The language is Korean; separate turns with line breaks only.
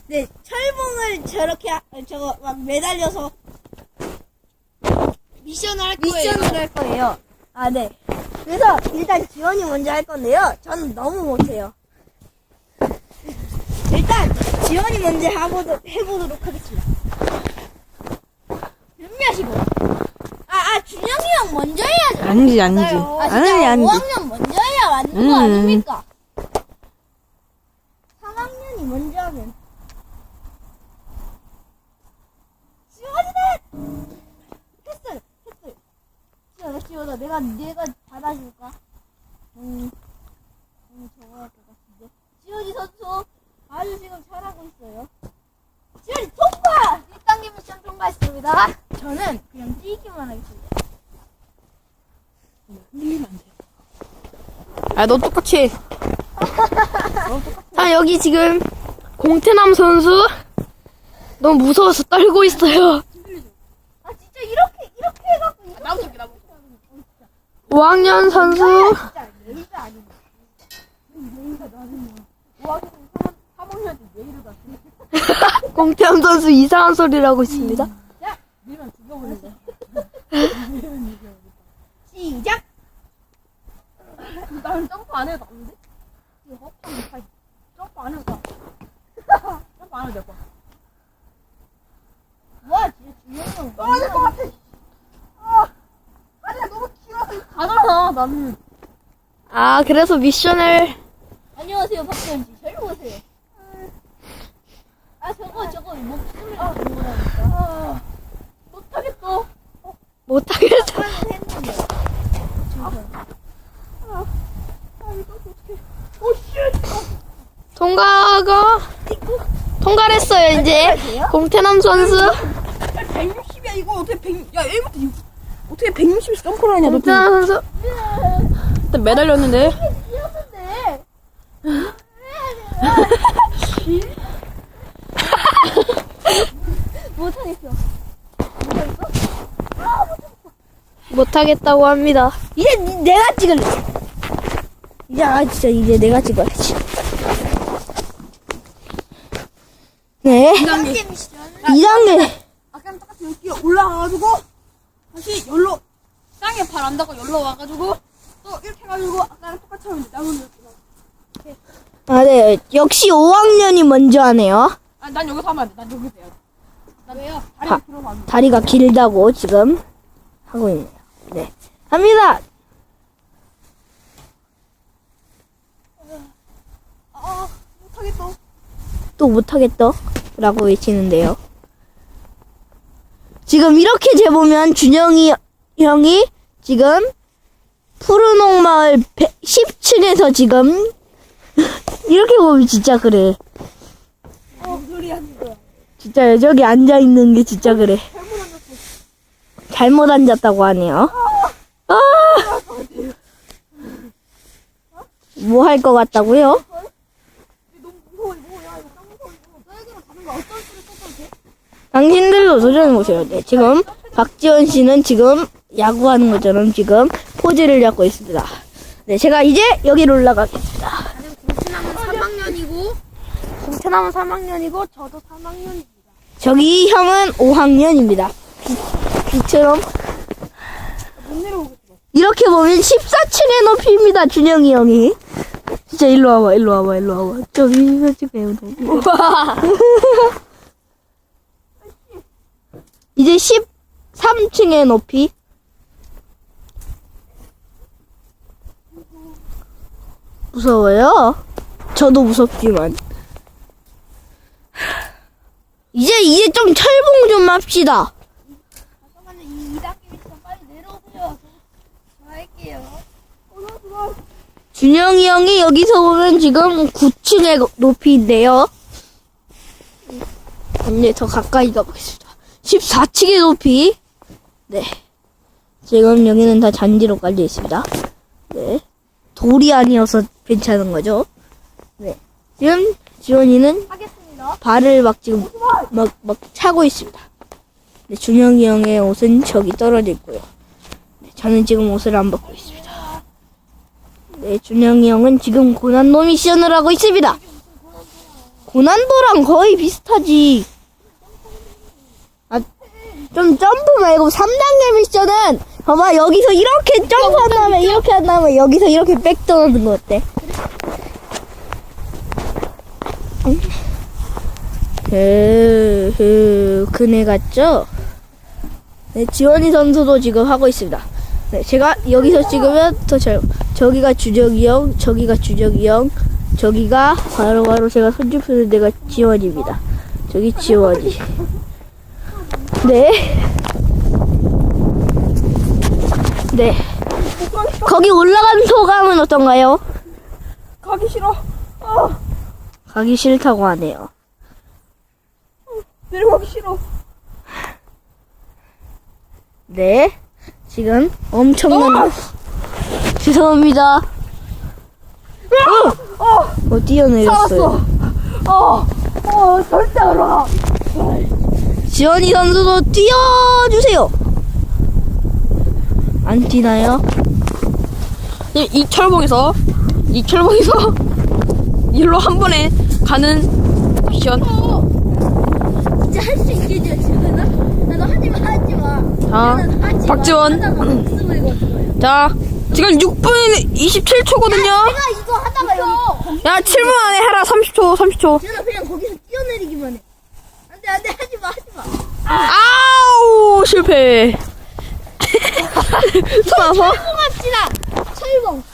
네, 철봉을 저렇게 저거 막 매달려서
미션을 할 거예요.
미션을 할 거예요. 아, 네. 그래서 일단 지원이 먼저 할 건데요. 저는 너무 못해요. 일단 지원이 먼저 해보도록 하겠습니다. 준비하시고. 준영이 형 먼저 해야죠.
아니지.
진짜
아니지.
5학년 먼저 해야 맞는 거 아닙니까? 3학년이 먼저 하면. 지원이는! 했어요. 지원아, 내가 받아줄까? 저거 할 것 같은데. 지원이 선수, 아주 지금 잘하고 있어요. 지원이 통과! 1단계 미션 통과했습니다. 저는 그냥 뛰기만 하겠습니다.
너 똑같이. 자, 여기 지금 공태남 선수 너무 무서워서 떨고 있어요.
진짜 이렇게 해갖고.
나부터
5학년 선수.
진짜 레이저 아니야.
공태남 선수 이상한 소리를 하고 있습니다.
시작!
나는 점프 안 해도 안 돼? 점프 안 해도 돼. 점프 안 해도 될 거야.
와, 진짜 준영이 형.
떨어질 것 같아. 다리가 너무 길어서 가잖아, 나는.
그래서 미션을.
안녕하세요, 박지원 씨. 저리 오세요. 저거 목숨을 걸는 거라니까.
못하겠어.
못하겠어.
했는데.
통과를 했어요, 이제. 공태남 선수.
160이야, 이거 어떻게 야, 1부터 어떻게 160에서 점프를 하냐, 너.
공태남 선수. 일단 매달렸는데.
뛰었는데. 못하겠어.
못하겠다고 합니다.
이제 내가 찍을래. 이제 내가 찍어야지. 네.
2단계 미션.
2단계.
아까랑 똑같이 여기 올라가가지고, 다시 열로, 땅에 발 안 닿고 열로 와가지고, 또 이렇게 해가지고, 아까랑 똑같이 하면 돼. 나무는.
네. 역시 5학년이 먼저 하네요.
난 여기서 하면 안 돼. 난 여기서 해야 돼. 난 왜요? 다리가 들어가면 안 돼.
다리가 길다고 지금 하고 있네요. 네. 합니다.
못하겠어.
또 못하겠다. 라고 외치는데요. 지금 이렇게 재보면 준영이 형이 지금 푸른옥마을 10층에서 지금 이렇게 보면 진짜 그래.
무슨 소리 하는 거야?
진짜 저기 앉아있는 게 진짜 그래.
잘못 앉았어.
잘못 앉았다고 하네요. 뭐 할 것 같다고요?
너무 무서워, 이거. 야, 이거 짱 무서워, 이거. 너에게만 가는 거 어떤 소리 써도 돼?
당신들도 도전해보세요. 네, 지금 박지원 씨는 지금 야구하는 것처럼 지금 포즈를 잡고 있습니다. 네, 제가 이제 여기로 올라가겠습니다.
나는 공치남은 3학년이고, 공치남은 3학년이고, 저도 3학년입니다.
저기 형은 5학년입니다. 빛처럼
못 내려오겠어.
이렇게 보면 14층의 높이입니다. 준영이 형이. 진짜 일로 와봐. 저기 배우 높이. 이제 13층의 높이. 무서워요? 저도 무섭지만. 이제 좀 철봉 좀 합시다.
잠깐만요, 2단계 미션 빨리 내려오세요. 저 할게요.
준영이 형이 여기서 보면 지금 9층의 높이인데요. 이제 더 가까이 가보겠습니다. 14층의 높이. 네. 지금 여기는 다 잔디로 깔려 있습니다. 네. 돌이 아니어서 괜찮은 거죠. 네. 지금 지원이는
하겠습니다.
발을 막 지금 막 차고 있습니다. 네, 준영이 형의 옷은 저기 떨어져 있고요. 네, 저는 지금 옷을 안 벗고 있습니다. 네, 준영이 형은 지금 고난도 미션을 하고 있습니다. 고난도랑 거의 비슷하지. 아, 좀 점프 말고 3단계 미션은 봐봐 여기서 이렇게 점프한 다음에 이렇게 한 다음에 여기서 이렇게 백 떠오는 거 어때? 그네 같죠? 네, 지원이 선수도 지금 하고 있습니다. 네, 제가 여기서 찍으면 더 잘, 저기가 주적이 형, 저기가 주적이 형, 저기가 바로 제가 손주 푸는 데가 지원입니다. 저기 지원이. 네. 네. 거기 올라간 소감은 어떤가요?
가기 싫어.
가기 싫다고 하네요.
내려가기 싫어.
네. 지금 엄청난 죄송합니다. 뛰어내렸어요.
살았어. 절대 안 올라가.
지원이 선수도 뛰어주세요. 안 뛰나요?
이 철봉에서 일로 한 번에 가는 미션.
진짜 할 수 있겠죠, 지원아? 나도 하지마.
자, 박지원. 자, 지금 6분 27초거든요.
내가 이거 하다가 여기
야, 7분 안에 해라. 30초.
지원아 그냥 거기서 뛰어내리기만 해. 안돼 하지마.
아우, 실패. 또 나서.
철봉합시다. 철봉.